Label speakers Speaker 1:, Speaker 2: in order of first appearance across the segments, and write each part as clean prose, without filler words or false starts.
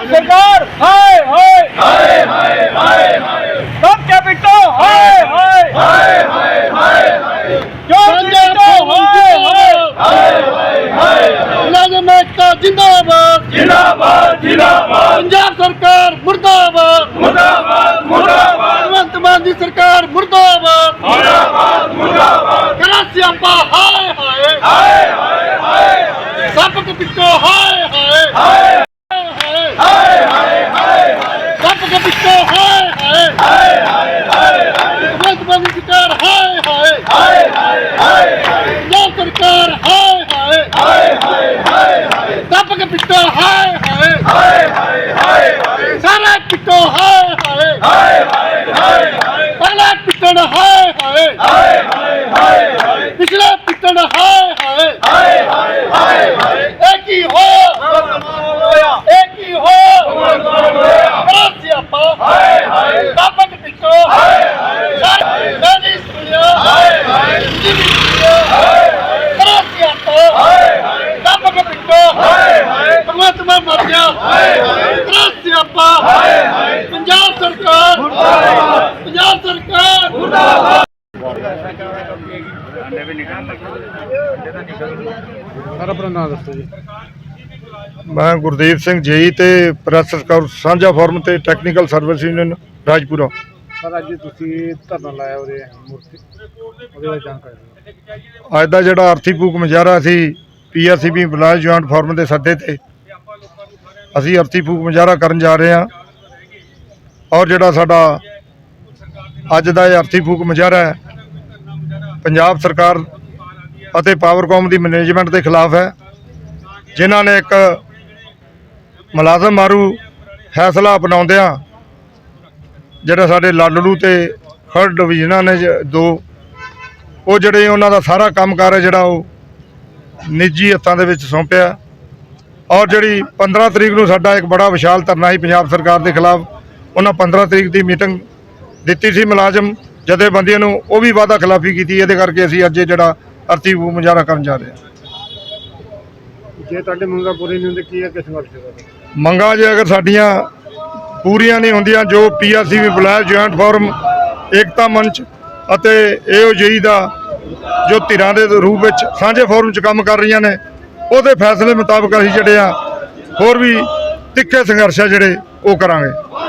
Speaker 1: सरकार हाय हाय हाय हाय हाय हाय सब कैपिटल हाय हाय हाय हाय हाय जो कैपिटल हाय हाय हाय हाय मुलाजिम एकता जिंदाबाद जिंदाबाद जिंदाबाद पंजाब सरकार मुर्दाबाद मुर्दाबाद मुर्दाबाद भगवंत मान दी सरकार मुर्दाबाद मुर्दाबाद मुर्दाबाद करा सियापा हाय हाय हाय हाय हाय सब कैपिटल हाय हाय हाय हाय हाय हाय सब कैपिटल हाय हाय हाय हाय भगवंत मान दी सरकार हाय हाय हाय हाय हाय पंजाब सरकार हाय हाय हाय हाय हाय सब कैपिटल हाय हाय हाय हाय सारा कैपिटल हाय हाय हाय हाय पहला कैपिटल हाय हाय हाय हाय पिछला कैपिटल हाय हाय हाय हाय एक ही हो सियापा हाय हाय सब कैपिटल हाय हाय गाड़ी सुनिया हाय हाय करा सियापा हाय हाय सब कैपिटल हाय हाय भगवंत मान मर गया हाय हाय करा सियापा हाय हाय पंजाब सरकार मुर्दाबाद पंजाब सरकार मुर्दाबाद
Speaker 2: सर अपना नाम दसो जी।
Speaker 3: मैं गुरदीप सिंह जेई ते ਪ੍ਰੈਸ ਸਕਾਊਟ ਸਾਂਝਾ ਫੋਰਮ ਤੇ technical service union Rajpura.
Speaker 2: Sir अज तुसी धरना लाया उरे मूर्ति ਉਹਦੇ ਬਾਰੇ ਜਾਣਕਾਰੀ ਦਿਓ।
Speaker 3: ਅੱਜ ਦਾ ਜਿਹੜਾ ਅਰਥੀ ਫੂਕ ਮੁਜ਼ਾਹਰਾ ਸੀ PRCB ਬਲਾਜ ਜੁਆਇੰਟ ਫੋਰਮ ਦੇ ਸੱਦੇ ਤੇ ਅਸੀਂ ਅਰਥੀ ਫੂਕ ਮੁਜ਼ਾਹਰਾ ਕਰਨ ਜਾ ਰਹੇ ਹਾਂ ਔਰ ਜਿਹੜਾ ਸਾਡਾ ਅੱਜ ਦਾ ਇਹ ਅਰਥੀ ਫੂਕ ਮੁਜ਼ਾਹਰਾ ਹੈ ਪੰਜਾਬ ਸਰਕਾਰ ਅਤੇ ਪਾਵਰਕੌਮ ਦੀ ਮੈਨੇਜਮੈਂਟ ਦੇ ਖਿਲਾਫ ਹੈ ਜਿਨ੍ਹਾਂ ਨੇ ਇੱਕ ਮੁਲਾਜ਼ਮ ਮਾਰੂ ਫੈਸਲਾ ਅਪਣਾਉਂਦਿਆਂ ਜਿਹੜੇ ਸਾਡੇ ਲਾਲੜੂ ਤੇ ਖਰੜ ਡਿਵੀਜ਼ਨਾਂ ਨੇ ਦੋ ਉਹ ਜਿਹੜੇ ਉਹਨਾਂ ਦਾ ਸਾਰਾ ਕੰਮਕਾਰ ਹੈ ਜਿਹੜਾ ਉਹ ਨਿੱਜੀ ਹੱਥਾਂ ਦੇ ਵਿੱਚ ਸੌਂਪਿਆ ਔਰ ਜਿਹੜੀ 15 ਤਰੀਕ ਨੂੰ ਸਾਡਾ ਇੱਕ ਬੜਾ ਵਿਸ਼ਾਲ ਧਰਨਾ ਸੀ ਪੰਜਾਬ ਸਰਕਾਰ ਦੇ ਖਿਲਾਫ ਉਹਨਾਂ 15 ਤਰੀਕ ਦੀ ਮੀਟਿੰਗ ਦਿੱਤੀ ਸੀ ਮੁਲਾਜ਼ਮ ਜਥੇਬੰਦੀਆਂ ਨੂੰ ਉਹ ਵੀ ਵਾਅਦਾ ਖਿਲਾਫੀ ਕੀਤੀ ਇਹਦੇ ਕਰਕੇ ਅਸੀਂ ਅੱਜ ਜਿਹੜਾ ਅਰਥੀ ਫੂਕ ਮੁਜ਼ਾਹਰਾ ਕਰਨ ਜਾ ਰਹੇ ਹਾਂ।
Speaker 2: ਜੇ ਤੁਹਾਡੇ ਮੰਗਾਂ ਪੂਰੀ ਨਹੀਂ ਹੁੰਦੀ ਕੀ ਹੈ ਕਿਸ ਵਾਸਤੇ
Speaker 3: ਮੰਗਾਂ ਜੇ ਅਗਰ ਸਾਡੀਆਂ ਪੂਰੀਆਂ ਨਹੀਂ ਹੁੰਦੀਆਂ ਜੋ PRCB ਬਲਾਜ ਜੁਆਇੰਟ ਫੋਰਮ ਏਕਤਾ ਮੰਚ ਅਤੇ AOJE ਦਾ ਜੋ ਧਿਰਾਂ ਦੇ ਰੂਪ ਵਿੱਚ ਸਾਂਝੇ ਫੋਰਮ 'ਚ ਕੰਮ ਕਰ ਰਹੀਆਂ ਨੇ ਉਹਦੇ ਫੈਸਲੇ ਮੁਤਾਬਕ ਅਸੀਂ ਜਿਹੜੇ ਆ ਹੋਰ ਵੀ ਤਿੱਖੇ ਸੰਘਰਸ਼ ਆ ਜਿਹੜੇ ਉਹ ਕਰਾਂਗੇ।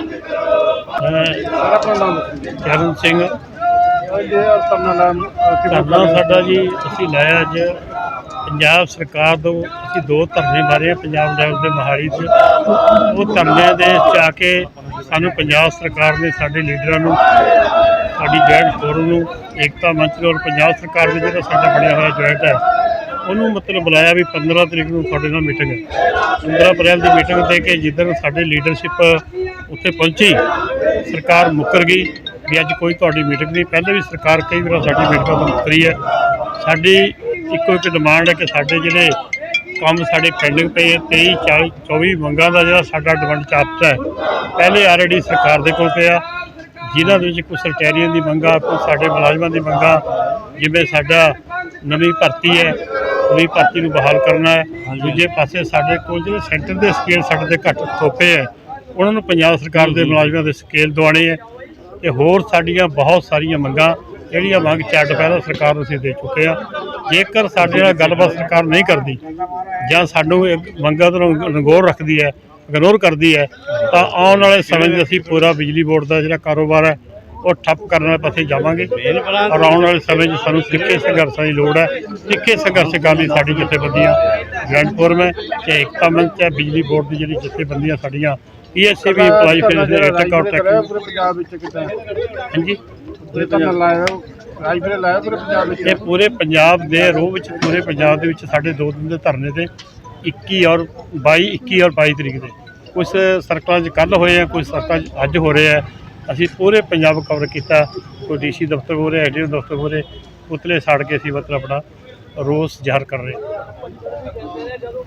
Speaker 2: ਸਰ ਆਪਣਾ ਨਾਮ ਦੱਸੋ ਜੀ।
Speaker 4: ਚਰਨ ਸਿੰਘ
Speaker 2: ਜੇ
Speaker 4: ਧਰਨਾ ਸਾਡਾ ਜੀ ਅਸੀਂ ਲਾਇਆ ਅੱਜ ਪੰਜਾਬ ਸਰਕਾਰ ਤੋਂ ਅਸੀਂ ਦੋ ਧਰਨੇ ਮਾਰੇ ਪੰਜਾਬ ਲੈਵਲ ਦੇ ਮੋਹਾਲੀ 'ਚ ਉਹ ਧਰਨਿਆਂ ਦੇ 'ਚ ਆ ਕੇ ਸਾਨੂੰ ਪੰਜਾਬ ਸਰਕਾਰ ਨੇ ਸਾਡੇ ਲੀਡਰਾਂ ਨੂੰ ਸਾਡੀ ਜੁਆਇੰਟ ਫੋਰਮ ਨੂੰ ਏਕਤਾ ਮੰਚ ਨੂੰ ਔਰ ਪੰਜਾਬ ਸਰਕਾਰ ਦੇ ਜਿਹੜਾ ਸਾਡਾ ਬਣਿਆ ਹੋਇਆ ਜੁਆਇੰਟ ਹੈ ਉਹਨੂੰ ਮਤਲਬ ਬੁਲਾਇਆ ਵੀ 15 ਤਰੀਕ ਨੂੰ ਤੁਹਾਡੇ ਨਾਲ ਮੀਟਿੰਗ ਹੈ 15 ਅਪ੍ਰੈਲ ਦੀ ਮੀਟਿੰਗ ਦੇ ਕੇ ਜਿੱਦਣ ਸਾਡੇ ਲੀਡਰਸ਼ਿਪ ਉੱਥੇ ਪਹੁੰਚੀ ਸਰਕਾਰ ਮੁੱਕਰ ਗਈ ਵੀ ਅੱਜ ਕੋਈ ਤੁਹਾਡੀ ਮੀਟਿੰਗ ਨਹੀਂ। ਪਹਿਲੇ ਵੀ ਸਰਕਾਰ ਕਈ ਵਾਰ ਸਾਡੀ ਮੀਟਿੰਗਾਂ ਤੋਂ ਮੁੱਕਰੀ ਹੈ। ਸਾਡੀ ਇੱਕੋ ਇੱਕ ਡਿਮਾਂਡ ਹੈ ਕਿ ਸਾਡੇ ਜਿਹੜੇ ਕੰਮ ਸਾਡੇ ਪੈਂਡਿੰਗ ਪਏ 23 40 24 ਮੰਗਾਂ ਦਾ ਜਿਹੜਾ ਸਾਡਾ ਡਿਮਾਂਡ ਚਾਪਚਾ ਹੈ ਪਹਿਲੇ ਆਲਰੇਡੀ ਸਰਕਾਰ ਦੇ ਕੋਲ ਪਿਆ ਜਿਨ੍ਹਾਂ ਦੇ ਵਿੱਚ ਕੁਝ ਸਰਟੈਰੀਅਨ ਦੀ ਮੰਗਾਂ ਕੁਝ ਸਾਡੇ ਮੁਲਾਜ਼ਮਾਂ ਦੀ ਮੰਗਾਂ ਜਿਵੇਂ ਸਾਡਾ ਨਵੀਂ ਭਰਤੀ ਹੈ ਨਵੀਂ ਭਰਤੀ ਨੂੰ ਬਹਾਲ ਕਰਨਾ ਹੈ। ਦੂਜੇ ਪਾਸੇ ਸਾਡੇ ਕੋਲ ਜਿਹੜੇ ਸੈਂਟਰ ਦੇ ਸਕੇਲ ਸਾਡੇ ਦੇ ਘੱਟ ਥੋਪੇ ਹੈ ਉਹਨਾਂ ਨੂੰ ਪੰਜਾਬ ਸਰਕਾਰ ਦੇ ਮੁਲਾਜ਼ਮਾਂ ਦੇ ਸਕੇਲ ਦਿਵਾਉਣੇ ਹੈ ਤੇ ਹੋਰ ਸਾਡੀਆਂ ਬਹੁਤ ਸਾਰੀਆਂ ਮੰਗਾਂ ਜਿਹੜੀਆਂ ਮੰਗ ਚਾਰਟ ਪਹਿਲਾਂ ਸਰਕਾਰ ਨੂੰ ਅਸੀਂ ਦੇ ਚੁੱਕੇ ਹਾਂ। ਜੇਕਰ ਸਾਡੇ ਨਾਲ ਗੱਲਬਾਤ ਸਰਕਾਰ ਨਹੀਂ ਕਰਦੀ ਜਾਂ ਸਾਨੂੰ ਮੰਗਾਂ ਤੋਂ ਨਗੌਰ ਰੱਖਦੀ ਹੈ ਇਗਨੋਰ ਕਰਦੀ ਹੈ ਤਾਂ ਆਉਣ ਵਾਲੇ ਸਮੇਂ 'ਚ ਅਸੀਂ ਪੂਰਾ ਬਿਜਲੀ ਬੋਰਡ ਦਾ ਜਿਹੜਾ ਕਾਰੋਬਾਰ ਹੈ ਉਹ ਠੱਪ ਕਰਨ ਵਾਲੇ ਪਾਸੇ ਜਾਵਾਂਗੇ ਔਰ ਆਉਣ ਵਾਲੇ ਸਮੇਂ 'ਚ ਸਾਨੂੰ ਤਿੱਖੇ ਸੰਘਰਸ਼ਾਂ ਦੀ ਲੋੜ ਹੈ। ਤਿੱਖੇ ਸੰਘਰਸ਼ ਕਰਨ ਲਈ ਸਾਡੀ ਜਥੇਬੰਦੀਆਂ ਜੁਆਇੰਟ ਫੋਰਮ ਹੈ ਤੇ ਏਕਤਾ ਮੰਚ ਹੈ ਬਿਜਲੀ ਬੋਰਡ ਦੀ ਜਿਹੜੀ ਜਥੇਬੰਦੀਆਂ ਸਾਡੀਆਂ PSCB ਇੰਪਲਾਈ ਫਿਰ
Speaker 2: ਪੰਜਾਬ ਵਿੱਚ ਕਿਤੇ
Speaker 4: ਹਾਂਜੀ
Speaker 2: ਧਰਨਾ ਲਾਇਆ ਰਾਜਪੁਰੇ ਲਾਇਆ ਪੂਰੇ ਪੰਜਾਬ ਵਿੱਚ
Speaker 4: ਇਹ ਪੂਰੇ ਪੰਜਾਬ ਦੇ ਰੋਹ ਵਿੱਚ ਪੂਰੇ ਪੰਜਾਬ ਦੇ ਵਿੱਚ ਸਾਡੇ 2 ਦਿਨ ਦੇ ਧਰਨੇ ਤੇ 21 ਔਰ 22 ਤਰੀਕ ਦੇ ਕੁਝ ਸਰਕਲਾਂ 'ਚ ਕੱਲ੍ਹ ਹੋਏ ਆ ਕੁਝ ਸਰਕਲਾਂ 'ਚ ਅੱਜ ਹੋ ਰਹੇ ਆ। ਅਸੀਂ ਪੂਰੇ ਪੰਜਾਬ ਕਵਰ ਕੀਤਾ ਕੋਈ DC ਦਫ਼ਤਰ ਹੋ ਰਿਹਾ ADO ਦਫ਼ਤਰ ਹੋ ਰਹੇ ਪੁਤਲੇ ਸਾੜ ਕੇ ਅਸੀਂ ਮਤਲਬ ਆਪਣਾ ਰੋਸ ਜ਼ਾਹਰ ਕਰ ਰਹੇ।